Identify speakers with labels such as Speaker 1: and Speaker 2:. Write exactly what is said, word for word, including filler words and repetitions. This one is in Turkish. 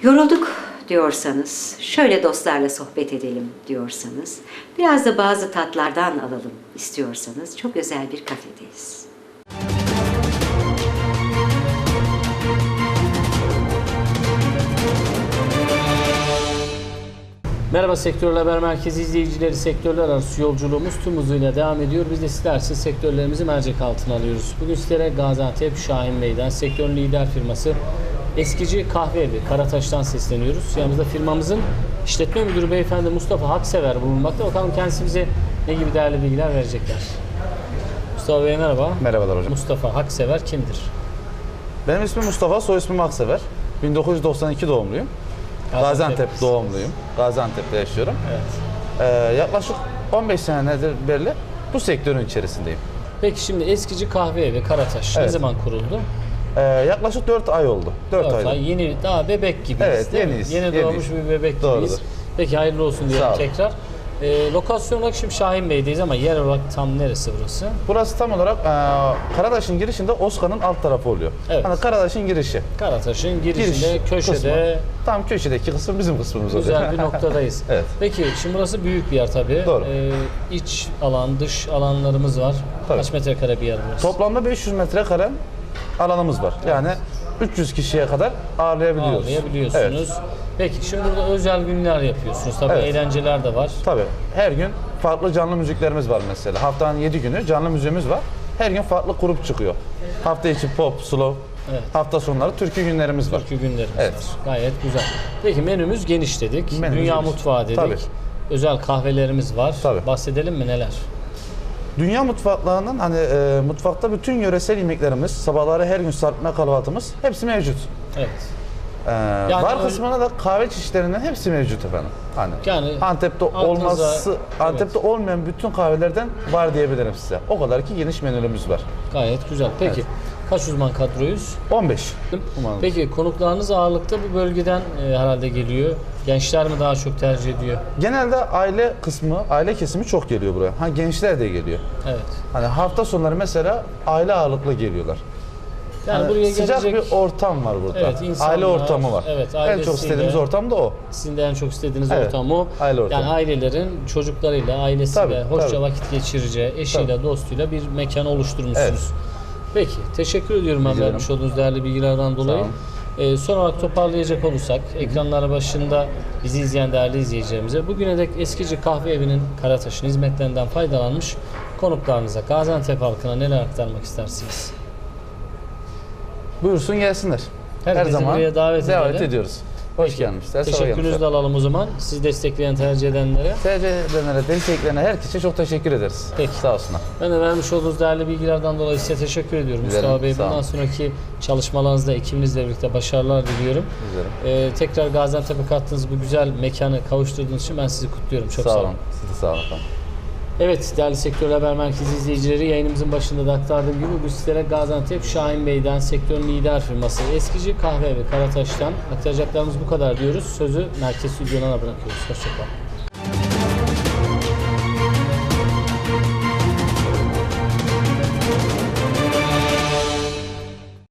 Speaker 1: Yorulduk diyorsanız, şöyle dostlarla sohbet edelim diyorsanız, biraz da bazı tatlardan alalım istiyorsanız çok özel bir kafedeyiz.
Speaker 2: Merhaba Sektörler Haber Merkezi izleyicileri, sektörler arası yolculuğumuz tüm hızıyla devam ediyor. Biz de sizler için sektörlerimizi mercek altına alıyoruz. Bugün sizlere Gaziantep Şahin Bey'den, sektörün lider firması Eskici Kahve Evi Karataş'tan sesleniyoruz. Yanımızda firmamızın işletme müdürü beyefendi Mustafa Haksever bulunmakta. Bakalım kendisi bize ne gibi değerli bilgiler verecekler. Mustafa Bey merhaba.
Speaker 3: Merhabalar hocam.
Speaker 2: Mustafa Haksever kimdir?
Speaker 3: Benim ismim Mustafa, soy ismim Aksever. bin dokuz yüz doksan iki doğumluyum. Gaziantep, Gaziantep doğumluyum. Gaziantep'te yaşıyorum.
Speaker 2: Evet.
Speaker 3: Ee, yaklaşık on beş senedir beri bu sektörün içerisindeyim.
Speaker 2: Peki şimdi Eskici Kahve Evi Karataş
Speaker 3: Evet.
Speaker 2: ne zaman kuruldu?
Speaker 3: Ee, yaklaşık dört ay oldu. dört
Speaker 2: dört
Speaker 3: ayda.
Speaker 2: ay, yeni, daha bebek gibiyiz
Speaker 3: Evet,
Speaker 2: değil mi?
Speaker 3: yeniyiz,
Speaker 2: Yeni
Speaker 3: yeniyiz.
Speaker 2: doğmuş bir bebek
Speaker 3: Doğrudur.
Speaker 2: gibiyiz. Peki hayırlı olsun diyelim
Speaker 3: Sağ olun.
Speaker 2: tekrar. Ee, lokasyon olarak şimdi Şahin Bey'deyiz ama yer olarak tam neresi burası?
Speaker 3: Burası tam olarak e, Karadaş'ın girişinde Oskan'ın alt tarafı oluyor.
Speaker 2: Evet.
Speaker 3: Hani Karadaş'ın girişi.
Speaker 2: Karataş'ın girişinde,
Speaker 3: Giriş
Speaker 2: köşede
Speaker 3: kısmı. Tam köşedeki kısım bizim kısmımız oluyor.
Speaker 2: güzel bir noktadayız.
Speaker 3: Evet.
Speaker 2: Peki şimdi burası büyük bir yer tabii.
Speaker 3: Doğru.
Speaker 2: Ee, iç alan, dış alanlarımız var.
Speaker 3: Tabii.
Speaker 2: Kaç metrekare bir yer burası?
Speaker 3: Toplamda beş yüz metrekare alanımız var. Yani üç yüz kişiye kadar ağırlayabiliyoruz.
Speaker 2: Ağırlayabiliyorsunuz.
Speaker 3: Evet.
Speaker 2: Peki şimdi burada özel günler yapıyorsunuz. Tabii
Speaker 3: Evet.
Speaker 2: eğlenceler de var.
Speaker 3: Tabii. Her gün farklı canlı müziklerimiz var mesela. Haftanın yedi günü canlı müziğimiz var. Her gün farklı grup çıkıyor. Hafta içi pop, slow,
Speaker 2: Evet.
Speaker 3: hafta sonları türkü günlerimiz var.
Speaker 2: Türkü günlerimiz
Speaker 3: Evet.
Speaker 2: var. Gayet güzel. Peki menümüz geniş dedik.
Speaker 3: Menümüz
Speaker 2: Dünya
Speaker 3: geniş.
Speaker 2: mutfağı dedik.
Speaker 3: Tabii.
Speaker 2: Özel kahvelerimiz var.
Speaker 3: Tabii.
Speaker 2: Bahsedelim mi neler?
Speaker 3: Dünya mutfaklarının hani e, mutfakta bütün yöresel yemeklerimiz, sabahları her gün sarpma kahvaltımız hepsi mevcut.
Speaker 2: Evet.
Speaker 3: Ee, bar
Speaker 2: öyle-
Speaker 3: kısmına da kahve çeşitlerinin hepsi mevcut efendim. Hani
Speaker 2: Yani
Speaker 3: Antep'te
Speaker 2: aklınıza-
Speaker 3: olması, Antep'te
Speaker 2: evet.
Speaker 3: olmayan bütün kahvelerden var diyebilirim size. O kadar ki geniş menülerimiz var.
Speaker 2: Gayet güzel. Peki
Speaker 3: Evet.
Speaker 2: kaç uzman kadroyuz?
Speaker 3: on beş. Umarım.
Speaker 2: Peki konuklarınız ağırlıkta bu bölgeden e, herhalde geliyor. Gençler mi daha çok tercih ediyor?
Speaker 3: Genelde aile kısmı, aile kesimi çok geliyor buraya. Ha gençler de geliyor.
Speaker 2: Evet.
Speaker 3: Hani hafta sonları mesela aile ağırlıklı geliyorlar.
Speaker 2: Yani
Speaker 3: Hani
Speaker 2: buraya
Speaker 3: sıcak
Speaker 2: gelecek
Speaker 3: bir ortam var burada.
Speaker 2: Evet, insanlar-
Speaker 3: aile ortamı var.
Speaker 2: evet,
Speaker 3: en
Speaker 2: ailesiyle-
Speaker 3: çok istediğimiz ortam da o.
Speaker 2: sizin de en çok istediğiniz
Speaker 3: Evet,
Speaker 2: ortam o.
Speaker 3: aile ortamı.
Speaker 2: Yani ailelerin çocuklarıyla, ailesiyle
Speaker 3: Tabii,
Speaker 2: hoşça
Speaker 3: tabii.
Speaker 2: vakit geçireceği, eşiyle,
Speaker 3: Tabii.
Speaker 2: dostuyla bir mekan oluşturmuşsunuz.
Speaker 3: Evet.
Speaker 2: Peki, teşekkür ediyorum ben
Speaker 3: Rica
Speaker 2: vermiş
Speaker 3: ederim.
Speaker 2: olduğunuz değerli bilgilerden dolayı.
Speaker 3: olun.
Speaker 2: Ee, son olarak toparlayacak olursak, ekranlar başında bizi izleyen değerli izleyicilerimize bugüne dek Eskici Kahve Evi'nin Karataş'ın hizmetlerinden faydalanmış konuklarınıza, Gaziantep halkına neler aktarmak istersiniz?
Speaker 3: Buyursun gelsinler. Her
Speaker 2: Herkesi
Speaker 3: zaman
Speaker 2: buraya davet edelim.
Speaker 3: ediyoruz. Hoş gelmişler. sabah
Speaker 2: Teşekkürünüzü de
Speaker 3: gelmişler.
Speaker 2: alalım o zaman. Siz destekleyen, tercih edenlere.
Speaker 3: Tercih edenlere, desteklerine, herkese çok teşekkür ederiz.
Speaker 2: Peki.
Speaker 3: Sağ olsunlar.
Speaker 2: Ben de vermiş olduğunuz değerli bilgilerden dolayı size teşekkür ediyorum
Speaker 3: Güzelim,
Speaker 2: Mustafa Bey.
Speaker 3: sağ
Speaker 2: Bundan
Speaker 3: olun.
Speaker 2: sonraki çalışmalarınızda ekibinizle birlikte başarılar diliyorum.
Speaker 3: Güzelim.
Speaker 2: Ee, tekrar Gaziantep'e kattığınız bu güzel mekanı kavuşturduğunuz için ben sizi kutluyorum. Çok sağ,
Speaker 3: Sağ
Speaker 2: olun.
Speaker 3: olun. Siz de sağ olun efendim.
Speaker 2: Evet değerli Sektörler Haber Merkezi izleyicileri, yayınımızın başında da aktardığım gibi bu sizlere Gaziantep Şahin Bey'den, sektörün lider firması Eskici Kahve Evi Karataş'tan aktaracaklarımız bu kadar diyoruz. Sözü merkez stüdyona bırakıyoruz. Hoşçakalın.